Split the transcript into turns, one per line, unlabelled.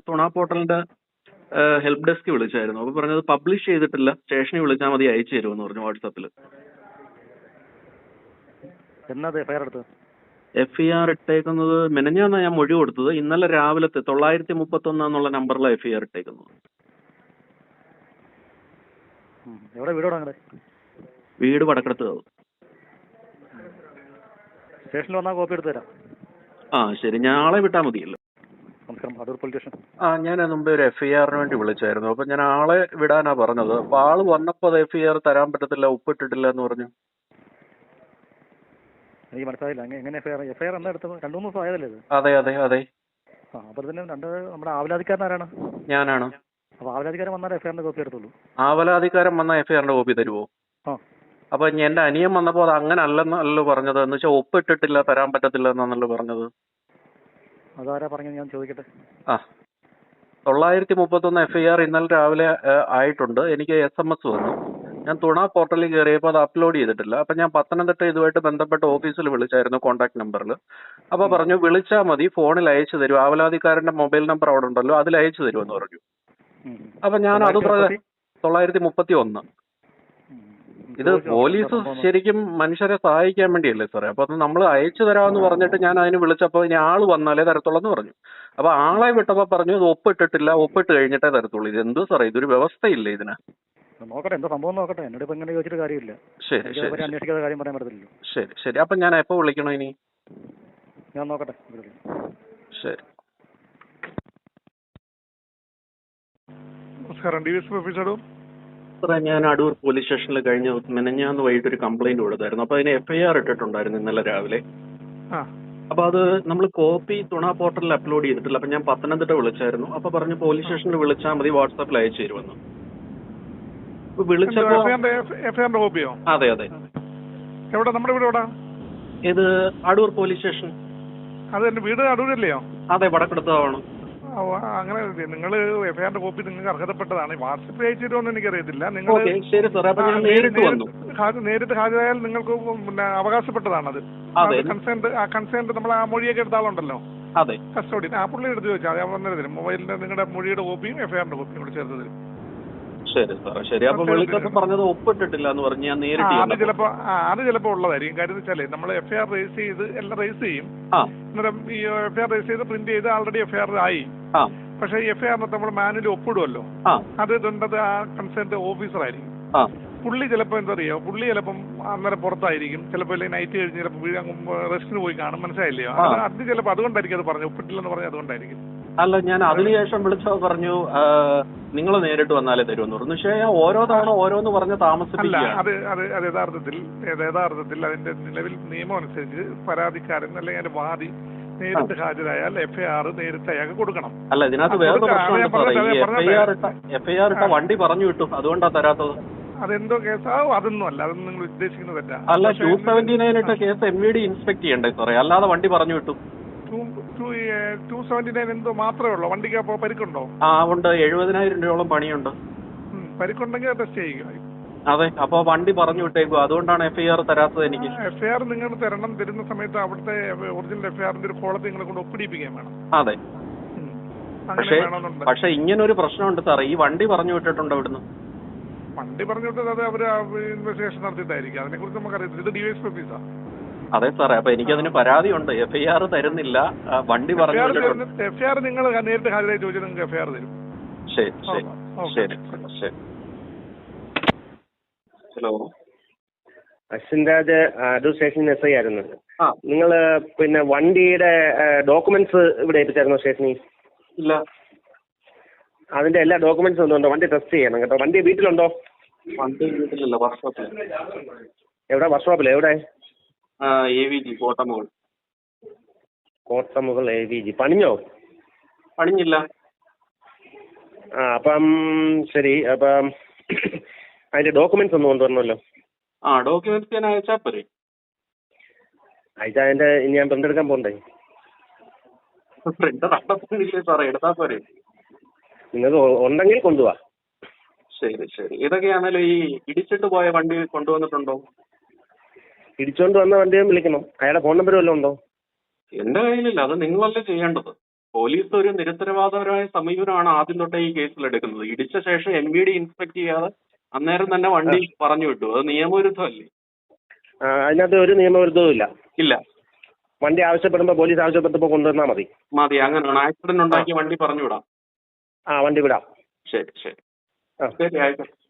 തുണ പോർട്ടലിന്റെ help desk വിളിച്ചായിരുന്നു. അപ്പൊ പറഞ്ഞത് പബ്ലിഷ് ചെയ്തിട്ടില്ല, സ്റ്റേഷനിൽ വിളിച്ചാൽ മതി, അയച്ചു തരുമെന്ന് പറഞ്ഞു വാട്സാപ്പിൽ. FIR ഇട്ടേക്കുന്നത് മെനഞ്ഞാന്നാ ഞാൻ മൊഴി കൊടുത്തത്. ഇന്നലെ രാവിലത്തെ 931 എന്നുള്ള നമ്പറിലാണ് FIR ഇട്ടേക്കുന്നത്. വീട് വടക്കടത്ത്.
സ്റ്റേഷനിൽ വന്നാൽ കോപ്പി എടുത്തു തരാം.
ശരി, ഞാൻ ആളെ വിട്ടാൽ മതിയല്ലോ.
Adoor police station.
ഞാൻ മുമ്പേ ഒരു FIRന് വേണ്ടി വിളിച്ചായിരുന്നു. അപ്പൊ ഞാൻ ആളെ വിടാനാ പറഞ്ഞത്. അപ്പൊ ആള് വന്നപ്പോ അത് FIR തരാൻ പറ്റത്തില്ല, ഒപ്പിട്ടിട്ടില്ല എന്ന് പറഞ്ഞു.
എനിക്ക് മനസ്സിലായില്ല, എങ്ങനെ FIR എന്താ എടുത്തത്? 2-3 ദിവസം ആയതല്ലേ ഇത്?
അതെ അതെ അതെ.
അപ്പൊ തന്നെ നമ്മുടെ ആവലാധിക്കാരൻ ആരാണ്?
ഞാനാണ്.
അപ്പൊ ആവലാധികാരൻ വന്നാൽ FIRന്റെ കോപ്പി എടുത്തുള്ളൂ.
ആവലാധികാരൻ വന്നാൽ FIRന്റെ കോപ്പി തരുമോ? അപ്പൊ എന്റെ അനിയൻ വന്നപ്പോ അത് അങ്ങനെ അല്ലെന്നല്ലോ പറഞ്ഞത്. എന്ന് വെച്ചാൽ ഒപ്പിട്ടിട്ടില്ല, തരാൻ പറ്റത്തില്ല എന്നാണല്ലോ പറഞ്ഞത്.
അതാരാ പറഞ്ഞത് ഞാൻ ചോദിക്കട്ടെ?
931 FIR ഇന്നലെ രാവിലെ ആയിട്ടുണ്ട്. എനിക്ക് SMS വന്നു. ഞാൻ തുണ പോർട്ടലിൽ കയറിയപ്പോൾ അത് അപ്ലോഡ് ചെയ്തിട്ടില്ല. അപ്പൊ ഞാൻ പത്തനംതിട്ട ഇതുമായിട്ട് ബന്ധപ്പെട്ട ഓഫീസിൽ വിളിച്ചായിരുന്നു, കോൺടാക്ട് നമ്പറിൽ. അപ്പൊ പറഞ്ഞു വിളിച്ചാൽ മതി, ഫോണിൽ അയച്ചു തരും, ആവലാധിക്കാരന്റെ മൊബൈൽ നമ്പർ അവിടെ ഉണ്ടല്ലോ, അതിൽ അയച്ചു തരുമെന്ന് പറഞ്ഞു. അപ്പൊ ഞാൻ അത് 931. ഇത് പോലീസ് ശരിക്കും മനുഷ്യരെ സഹായിക്കാൻ വേണ്ടിയല്ലേ സാറേ? അപ്പൊ അത് നമ്മൾ അയച്ചു തരാമെന്ന് പറഞ്ഞിട്ട് ഞാൻ അതിന് വിളിച്ചപ്പോൾ ഇനി ആള് വന്നാലേ തരത്തുള്ളൂ എന്ന് പറഞ്ഞു. അപ്പൊ ആളെ വിട്ടപ്പോ പറഞ്ഞു ഇത് ഒപ്പിട്ടിട്ടില്ല, ഒപ്പിട്ട് കഴിഞ്ഞിട്ടേ തരത്തുള്ളൂ. ഇത് എന്ത് സാറേ, ഇതൊരു വ്യവസ്ഥയില്ലേ ഇതിന്?
നോക്കട്ടെ, എന്താ സംഭവം നോക്കട്ടെ. എന്നോട് ഇപ്പൊ ഇങ്ങനെ ചോദിച്ചിട്ട് കാര്യമില്ല.
ശരി ശരി
അന്വേഷിക്കാതെ കാര്യം പറയാൻ പറ്റത്തില്ലല്ലോ.
ശരി ശരി. അപ്പൊ ഞാൻ എപ്പോ വിളിക്കണോ ഇനി?
ഞാൻ നോക്കട്ടെ.
ശരി.
നമസ്കാരം, DSP ഓഫീസർ.
സാറേ, ഞാൻ അടൂർ പോലീസ് സ്റ്റേഷനിൽ കഴിഞ്ഞ മെനഞ്ഞാന്ന് വൈകിട്ട് ഒരു കംപ്ലൈന്റ് കൊടുത്തായിരുന്നു. അപ്പൊ അതിന് FIR ഇട്ടിട്ടുണ്ടായിരുന്നു ഇന്നലെ രാവിലെ. അപ്പൊ അത് നമ്മൾ കോപ്പി തുണ പോർട്ടലിൽ അപ്ലോഡ് ചെയ്തിട്ടില്ല. അപ്പൊ ഞാൻ പത്തനംതിട്ട വിളിച്ചായിരുന്നു. അപ്പൊ പറഞ്ഞു പോലീസ് സ്റ്റേഷനിൽ വിളിച്ചാൽ മതി, വാട്സാപ്പിൽ അയച്ചു തരുമെന്ന്. വിളിച്ചപ്പോ
FIRന്റെ കോപ്പിയോ?
അതെ അതെ.
എവിടെ? നമ്മുടെ വീട് എവിടെ?
ഇത് അടൂർ പോലീസ് സ്റ്റേഷൻ.
അത് എന്റെ വീട് അടൂരല്ലയോ?
അതെ, വടക്കെടുത്താണ്.
അങ്ങനെ നിങ്ങൾ FIRന്റെ കോപ്പി നിങ്ങൾക്ക് അർഹതപ്പെട്ടതാണ്. വാട്സപ്പ് അയച്ചു തരുമെന്ന് എനിക്കറിയത്തില്ല. നിങ്ങൾ നേരിട്ട് ഹാജരായാൽ നിങ്ങൾക്ക് പിന്നെ അവകാശപ്പെട്ടതാണത്. കൺസേൺഡ് നമ്മൾ ആ മൊഴിയൊക്കെ എടുത്ത ആളുണ്ടല്ലോ, കസ്റ്റഡി, ആ പുള്ളി എടുത്ത് ചോദിച്ചാൽ ഞാൻ വന്നിരുന്നു. മൊബൈലിന്റെ നിങ്ങളുടെ മൊഴിയുടെ കോപ്പിയും FIRന്റെ കോപ്പിയും കൂടെ ചേർത്ത് തരും.
ശരി സാറേ, ശരി. അപ്പൊ വിളിച്ചപ്പോൾ പറഞ്ഞത് ഒപ്പിട്ടിട്ടില്ല എന്ന് പറഞ്ഞു. ഞാൻ നേരിട്ട്
അത് ചിലപ്പോ ഉള്ളതായിരിക്കും. കാര്യം വെച്ചാലേ നമ്മൾ FIR രജിസ്റ്റർ ചെയ്ത് എല്ലാം രജിസ്റ്റർ ചെയ്യും. അന്നേരം ഈ FIR രജിസ്റ്റർ ചെയ്ത് പ്രിന്റ് ചെയ്ത് ആൾറെഡി FIR ആയി. പക്ഷെ FIRനകത്ത് നമ്മൾ മാനുവലി ഒപ്പിടുമല്ലോ, അത് ഇതുണ്ടത് ആ കൺസേൺഡ് ഓഫീസർ ആയിരിക്കും. പുള്ളി ചിലപ്പോ എന്താ അറിയോ, പുള്ളി ചിലപ്പം അന്നേരം പുറത്തായിരിക്കും, ചിലപ്പോ നൈറ്റ് കഴിഞ്ഞ് ചിലപ്പോൾ റെസ്റ്റിന് പോയി കാണും. മനസ്സിലായില്ലയോ? അത് ചിലപ്പോൾ അതുകൊണ്ടായിരിക്കും അത് പറഞ്ഞു, ഒപ്പിട്ടില്ലെന്ന് പറഞ്ഞാൽ അതുകൊണ്ടായിരിക്കും.
അല്ല, ഞാൻ അതിനുശേഷം വിളിച്ചോ പറഞ്ഞു നിങ്ങൾ നേരിട്ട് വന്നാലേ തരുമെന്ന് പറഞ്ഞു. പക്ഷേ ഓരോ തവണ ഓരോന്ന് പറഞ്ഞ് താമസിപ്പില്ല.
അത് യഥാർത്ഥത്തിൽ അതിന്റെ നിലവിൽ നിയമം അനുസരിച്ച് പരാതിക്കാരൻ അല്ലെങ്കിൽ അതിന്റെ വാദി നേരിട്ട് ഹാജരായാൽ FIR നേരിട്ട് അയാൾക്ക് കൊടുക്കണം.
അല്ല, ഇതിനകത്ത് വേറെ FIR ഇട്ട വണ്ടി പറഞ്ഞു വിട്ടു, അതുകൊണ്ടാ തരാത്തത്.
അതെന്തോ കേസാ? അതൊന്നും അല്ല, അതൊന്നും നിങ്ങൾ ഉദ്ദേശിക്കുന്നത് തെറ്റാ.
അല്ല, 279 ഇട്ട കേസ് MVD ഇൻസ്പെക്ട് ചെയ്യണ്ടേ സാറേ, അല്ലാതെ വണ്ടി പറഞ്ഞു വിട്ടു.
279 എന്തോ മാത്രമേ ഉള്ളൂ. വണ്ടിക്ക് അപ്പോ പരിക്കുണ്ടോ?
ഉണ്ട്. 70,000 രൂപയോളം പണിയുണ്ട്.
പരിക്കുണ്ടെങ്കിൽ ടെസ്റ്റ് ചെയ്യുക.
അതെ, അപ്പൊ വണ്ടി പറഞ്ഞു വിട്ടേക്കും, അതുകൊണ്ടാണ് FIR തരാത്തത് എനിക്ക്.
FIR നിങ്ങൾ തരുന്ന സമയത്ത് അവിടുത്തെ ഒറിജിനൽ FIRന്റെ ഒരു കോളത്തിൽ നിങ്ങളെ കൊണ്ട് ഒപ്പിടിപ്പിക്കാൻ വേണം.
അതെ, പക്ഷെ ഇങ്ങനൊരു പ്രശ്നമുണ്ട് സാറേ, ഈ വണ്ടി പറഞ്ഞു വിട്ടിട്ടുണ്ട് ഇവിടുന്ന്.
വണ്ടി പറഞ്ഞു വിട്ടത് അത് അവര് ഇൻവെസ്റ്റിഗേഷൻ നടത്തിയിട്ടായിരിക്കും. അതിനെ കുറിച്ച് നമുക്കറിയത്തില്ല. ഇത് DSP ഓഫീസാ.
അതെ സാറേ, അപ്പൊ എനിക്കതിന് പരാതിയുണ്ട്. FIR തരുന്നില്ല, വണ്ടി പറഞ്ഞു വിട്ടിട്ടുണ്ട്.
FIR നിങ്ങൾ നേരിട്ട് ഹാജരായി ചോദിച്ചാൽ നിങ്ങൾക്ക് FIR തരും.
ശരി ശരി ശരി ശരി. Hello,
Ashwin Raj, Adoor station SI ആയിരുന്നു. നിങ്ങൾ പിന്നെ വണ്ടിയുടെ ഡോക്യുമെന്റ്സ് ഇവിടെ ഏൽപ്പിച്ചായിരുന്നോ സ്റ്റേഷനിൽ?
ഇല്ല.
അതിന്റെ എല്ലാ ഡോക്യുമെന്റ്സും ഒന്നുണ്ടോ? വണ്ടി ടെസ്റ്റ് ചെയ്യണം കേട്ടോ. വണ്ടി വീട്ടിലുണ്ടോ?
വണ്ടി വീട്ടിലല്ല, വർക്ക്ഷോപ്പിൽ.
എവിടെ? വർക്ക്ഷോപ്പിൽ എവിടെ?
AVG കോട്ടമുകൾ.
കോട്ടമുകൾ AVG. പണിഞ്ഞോ?
പണിഞ്ഞില്ല.
അപ്പം ശരി. അപ്പം അതിന്റെ ഡോക്യുമെന്റ്സ് ഒന്നും കൊണ്ടുവരണമല്ലോ.
ഡോക്യുമെന്റ്സ് ഞാൻ അയച്ചാൽ പോരെ?
അയച്ചാൽ അതിന്റെ ഇനി ഞാൻ പ്രിന്റ് എടുക്കാൻ പോകണ്ടേ?
പ്രിന്റർ അടപ്പില്ലേ സാറേ, എടുത്താൽ പോരെ?
നിങ്ങൾക്ക് ഉണ്ടെങ്കിൽ കൊണ്ടുപോവാ.
ശരി ശരി. ഇതൊക്കെയാണല്ലോ ഈ ഇടിച്ചിട്ട് പോയ വണ്ടി കൊണ്ടുവന്നിട്ടുണ്ടോ?
ഇടിച്ചോണ്ട് വന്ന വണ്ടിയും വിളിക്കണം. അയാളുടെ ഫോൺ നമ്പർ വല്ലതും ഉണ്ടോ?
എന്റെ കയ്യിലില്ല, അത് നിങ്ങളല്ലേ ചെയ്യേണ്ടത്. പോലീസ് ഒരു നിരുത്തരവാദപരമായ സമീപനമാണ് ആദ്യം തൊട്ടേ ഈ കേസിൽ എടുക്കുന്നത്. ഇടിച്ച ശേഷം MVD ഇൻസ്പെക്ട് ചെയ്യാതെ അന്നേരം തന്നെ വണ്ടി പറഞ്ഞു വിട്ടു. അത് നിയമവിരുദ്ധമല്ലേ?
അതിനകത്ത് ഒരു നിയമവിരുദ്ധവും ഇല്ല.
ഇല്ല.
വണ്ടി ആവശ്യപ്പെടുമ്പോൾ പോലീസ് ആവശ്യപ്പെട്ടപ്പോൾ കൊണ്ടുവന്നാൽ മതി.
അങ്ങനെയാണ്. ആക്സിഡന്റ് ഉണ്ടാക്കിയ വണ്ടി പറഞ്ഞു വിടാം.
വണ്ടി വിടാം.
ശരി. ആയിക്കോട്ടെ.